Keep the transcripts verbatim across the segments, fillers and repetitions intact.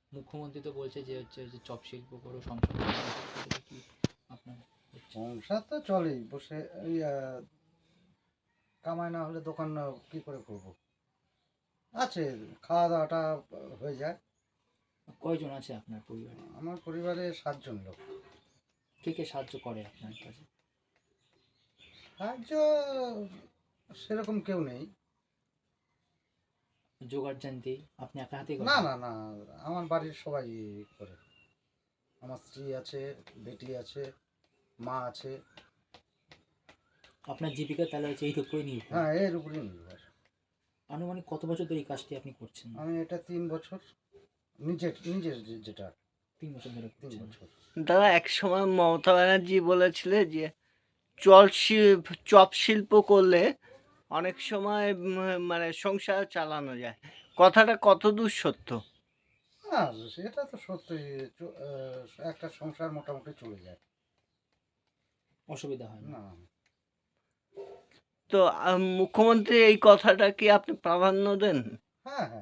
মুখ্যমন্ত্রী তো বলছে যে হচ্ছে যে চপ শিল্প করো, সংসার চালাও, সেটা কি আপনার হচ্ছে? সংসার তো চলেই, বসে এই আহ, কামাই না হলে দোকান না কি করে করব। আছে, খাওয়া দাওয়াটা হয়ে যায়। কয়জন আছে আপনার পরিবারে? আমার পরিবারে সাতজন লোক। কে কে সাহায্য করে আপনার কাছে? সাহায্য সেরকম কেউ নেই। জোগাড় জানতে আপনি একা হাতে না না না, আমার বাড়ির সবাই করে। আমার স্ত্রী আছে, বেটি আছে, মা আছে। আপনার জীবিকা তাহলে হচ্ছে এইর উপরে নির্ভর? হ্যাঁ, এর উপরেই নির্ভর। আনুমানিক কত বছর ধরে এই কাজটি আপনি করছেন? আমি এটা তিন বছর নিজের নিজের যে- যেটা তিন বছর ধরে তিন করছেন। বছর দাদা, এক সময় মমতা ব্যানার্জি বলেছিলে যে চল শিল্প চপ শিল্প করলে অনেক সময় উম, মানে সংসার চালানো যায়। কথাটা কতদূর সত্য? হ্যাঁ, সেটা তো সত্যি। চ- আহ, একটা সংসার মোটামুটি চলে যায়। অসুবিধা হয় না? না, তো আহ, মুখ্যমন্ত্রী এই কথাটা কি আপনি প্রাধান্য দেন? হ্যাঁ হ্যাঁ,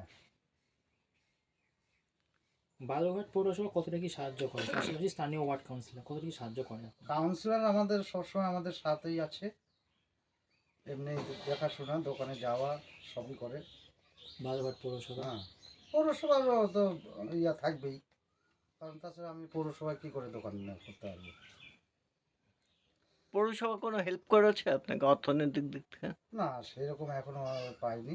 বালুরঘাট পৌরসভা কতটা কি সাহায্য করে, পাশাপাশি স্থানীয় ওয়ার্ড কাউন্সিলর কতটা কি সাহায্য করে আপনার? কাউন্সিলর আমাদের সবসময় আমাদের সাথেই আছে। এমনি দেখাশোনা, দোকানে যাওয়া সবই করে। বালুরঘাট পৌরসভা? হ্যাঁ, পৌরসভারও তো ইয়া থাকবেই, কারণ তাছাড়া আমি পৌরসভায় কী করে দোকান না করতে পারবো। পৌরসভা কোনো হেল্প করেছে আপনাকে অর্থনৈতিক দিক থেকে? না, সেরকম এখনো পাইনি।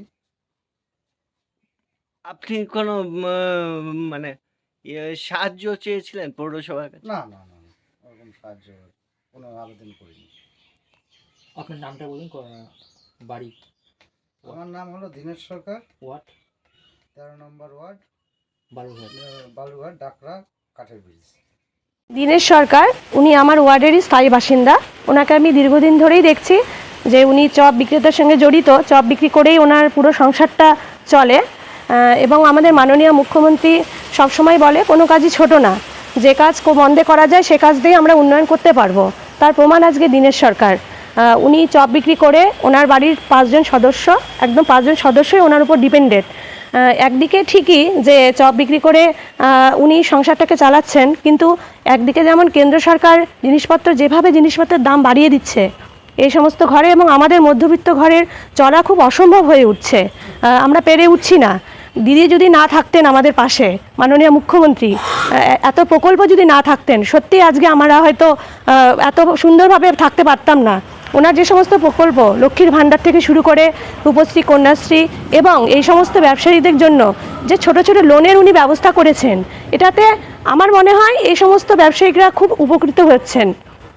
আপনি কোনো উম, মানে ইয়ে, সাহায্য চেয়েছিলেন পৌরসভার কাছে? না না না না, ওরকম সাহায্য কোনো আবেদন করিনি। আপনার নামটা বলুন, ক- বাড়ি, আমার নাম হলো দীনেশ সরকার, ওয়ার্ড? তেরো নম্বর ওয়ার্ড, বালুরঘাট। আহ, বালুরঘাট, ডাকরা, কাঠের ব্রিজ। দীনেশ সরকার, উনি আমার ওয়ার্ডেরই স্থায়ী বাসিন্দা। ওনাকে আমি দীর্ঘদিন ধরেই দেখছি যে উনি চপ বিক্রেতার সঙ্গে জড়িত, চপ বিক্রি করেই ওনার পুরো সংসারটা চলে। আহ, এবং আমাদের মাননীয় মুখ্যমন্ত্রী সবসময় বলে কোনো কাজই ছোট না, যে কাজ মন্দে করা যায় সে কাজ দিয়ে আমরা উন্নয়ন করতে পারবো। তার প্রমাণ আজকে দীনেশ সরকার। আহ, উনি চপ বিক্রি করে ওনার বাড়ির পাঁচজন সদস্য, একদম পাঁচজন সদস্যই ওনার উপর ডিপেন্ডেন্ট। একদিকে ঠিকই যে চপ বিক্রি করে উনি সংসারটাকে চালাচ্ছেন, কিন্তু একদিকে যেমন কেন্দ্র সরকার জিনিসপত্র যেভাবে জিনিসপত্রের দাম বাড়িয়ে দিচ্ছে, এই সমস্ত ঘরে এবং আমাদের মধ্যবিত্ত ঘরের চলা খুব অসম্ভব হয়ে উঠছে। আমরা পেরে উঠছি না। দিদি যদি না থাকতেন আমাদের পাশে, মাননীয় মুখ্যমন্ত্রী এত প্রকল্প যদি না থাকতেন, সত্যি আজকে আমরা হয়তো এত সুন্দরভাবে থাকতে পারতাম না। ওনার যে সমস্ত প্রকল্প, লক্ষ্মীর ভাণ্ডার থেকে শুরু করে রূপশ্রী, কন্যাশ্রী এবং এই সমস্ত ব্যবসায়ীদের জন্য যে ছোট ছোট লোনের উনি ব্যবস্থা করেছেন, এটাতে আমার মনে হয় এই সমস্ত ব্যবসায়িকরা খুব উপকৃত হচ্ছেন।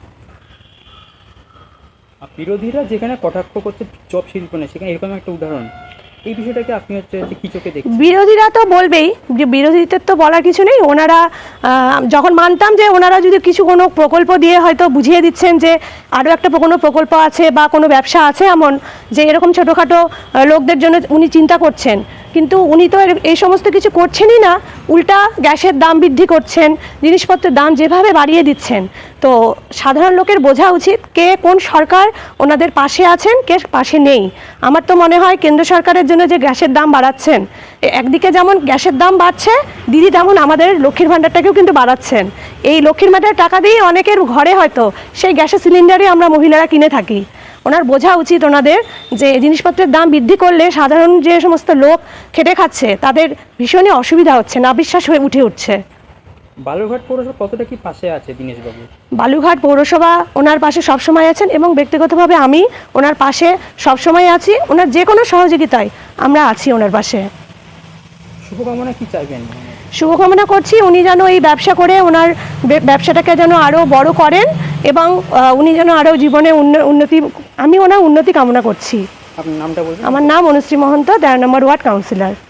বিরোধীরা যেখানে কটাক্ষ করছে চপ শিল্প নেই, সেখানে এরকম একটা উদাহরণ, এই বিষয়টাকে আপনি হচ্ছে কি চোখে দেখছেন? বিরোধীরা তো বলবেই, যে বিরোধীদের তো বলার কিছু নেই। ওনারা যখন মানতাম যে ওনারা যদি কিছু কোনো প্রকল্প দিয়ে হয়তো বুঝিয়ে দিচ্ছেন যে আরও একটা কোনো প্রকল্প আছে বা কোনো ব্যবসা আছে এমন যে এরকম ছোটোখাটো লোকদের জন্য উনি চিন্তা করছেন, কিন্তু উনি তো এই সমস্ত কিছু করছেনই না। উল্টা গ্যাসের দাম বৃদ্ধি করছেন, জিনিসপত্রের দাম যেভাবে বাড়িয়ে দিচ্ছেন। তো সাধারণ লোকের বোঝা উচিত কে কোন সরকার ওনাদের পাশে আছেন, কে পাশে নেই। আমার তো মনে হয় কেন্দ্র সরকারের জন্য যে গ্যাসের দাম বাড়াচ্ছেন, একদিকে যেমন গ্যাসের দাম বাড়ছে, দিদি তেমন আমাদের লক্ষ্মীর ভাণ্ডারটাকেও কিন্তু বাড়াচ্ছেন। এই লক্ষ্মীর ভাণ্ডারের টাকা দিয়ে অনেকের ঘরে হয়তো সেই গ্যাসের সিলিন্ডারই আমরা মহিলারা কিনে থাকি। ওনার বোঝা উচিত ওনাদের যে জিনিসপত্রের দাম বৃদ্ধি করলে সাধারণ যে সমস্ত লোক খেটে খাচ্ছে তাদের ভীষণই অসুবিধা হচ্ছে, নাবিশ্বাস হয়ে উঠে উঠছে। বালুরঘাট পৌরসভা কতটা কি পাশে আছে দীনেশবাবু? বালুরঘাট পৌরসভা ওনার পাশে সবসময় আছেন এবং ব্যক্তিগতভাবে আমি ওনার পাশে সবসময় আছি। ওনার যে কোনো সহযোগিতায় আমরা আছি ওনার পাশে। শুভকামনা কি চাইবেন? শুভকামনা করছি উনি যেন এই ব্যবসা করে ওনার ব্যবসাটাকে যেন আরও বড় করেন এবং উনি যেন আরও জীবনে উন্নতি, আমি ওনার উন্নতি কামনা করছি। আপনার নামটা বলুন। আমার নাম অনুশ্রী মহন্ত, তেরো নম্বর ওয়ার্ড কাউন্সিলর।